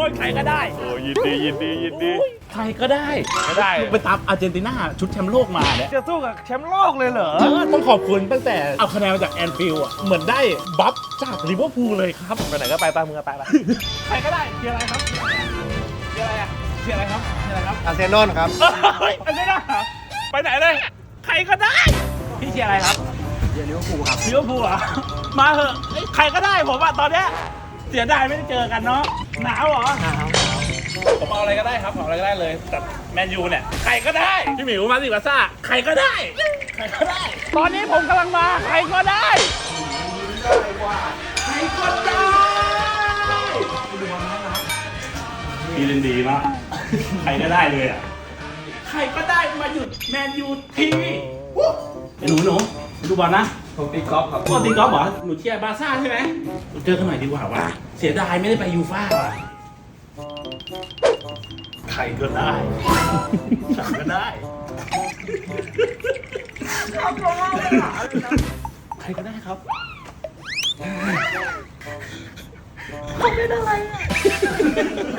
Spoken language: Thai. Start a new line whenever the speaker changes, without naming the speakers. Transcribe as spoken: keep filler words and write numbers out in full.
ยใครก็ได้โอ้ยินดียินดียินดีใครก็ได้ก็ได้ไปตามอาร์เจนตินาชุดแชมป์โลกมาเนี่ยจะสู้กับแชมป์โลกเลยเหรอต้องขอบคุณตั้งแต่เอาคะแนนมาจากแอนฟิลด์อ่ะเหมือนได้บัฟจากลิเวอร์พูลเลยครับไปไหนก็ไปไปมึงก็ไปไปใครก็ได้เชียร์อะไรครับเชียร์อะไรอ่ะเชียร์อะไรครับเชียร์อะไรครับ
อาร์เซนอลครับ
เฮ้ยอาร์เซนอลไปไหนเลยใครก็ได้พี่เชียร์อะไรครับเชียร์ลิเวอร์พูลครับลิเวอร์พูลอ่ะมาเหอะใครก็ได้ผมอ่ะตอนเนี้ยเสียดายไม่ได้เจอกันเนาะหนาวเหรอหนาวผมเอาอะไรก็ได้ครับเอาอะไรก็ได้เลยแต่แมนยูเนี่ยใครก็ได้พี่หมิวมาสิบาซ่าใครก็ได้ใครก็ได้ตอนนี้ผมกำลังมาใครก็ได้ใครก็ได้ดีเล่นดีมากใครก็ได้เลยอ่ะใครก็ได้มาหยุดแมนยูทีหนูหนูดูบอลนะผมตีกอล์ฟครับก็ตีกอล์ฟเหรอหนูเชียร์บาซ่าใช่ไหมเจอกันหน่อยดีกว่าวะเสียดายไม่ได้ไปยูฟ่าว่ะใครก็ได้ใครก็ได้ใครก็ได้ครับเขาเป็นอะไรอ่ะ